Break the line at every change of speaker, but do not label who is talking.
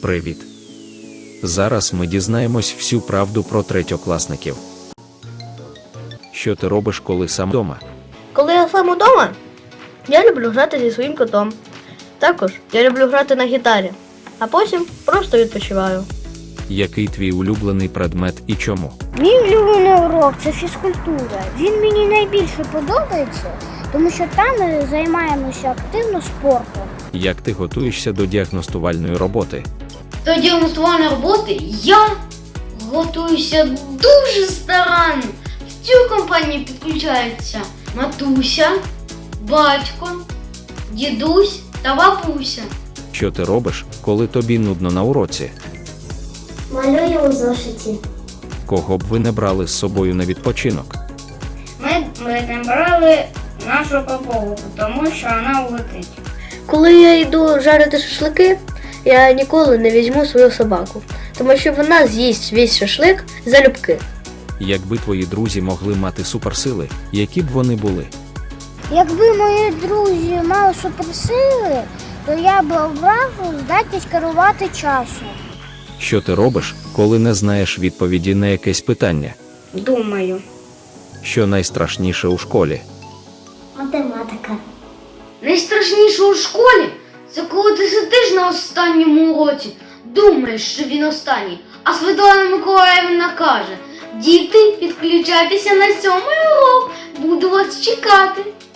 Привіт! Зараз ми дізнаємось всю правду про третьокласників. Що ти робиш, коли сам вдома?
Коли я сам удома, я люблю грати зі своїм котом. Також я люблю грати на гітарі, а потім просто відпочиваю.
Який твій улюблений предмет і чому?
Мій улюблений урок – це фізкультура. Він мені найбільше подобається, тому що там ми займаємося активно спортом.
Як ти готуєшся до діагностувальної роботи?
До діагностувальної роботи я готуюся дуже старанно. В цю компанію підключаються матуся, батько, дідусь та бабуся.
Що ти робиш, коли тобі нудно на уроці?
Малюю у зошиті.
Кого б ви не брали з собою на відпочинок?
Ми не брали нашу папу, тому що вона улетить.
Коли я йду жарити шашлики, я ніколи не візьму свою собаку, тому що вона з'їсть весь шашлик залюбки.
Якби твої друзі могли мати суперсили, які б вони були?
Якби мої друзі мали суперсили, то я б обрав здатність керувати часом.
Що ти робиш, коли не знаєш відповіді на якесь питання?
Думаю.
Що найстрашніше у школі?
Математика.
Найстрашніше у школі – це коли ти сидиш на останньому уроці, думаєш, що він останній, а Світлана Миколаївна каже: «Діти, підключайтеся на 7-й урок, буду вас чекати».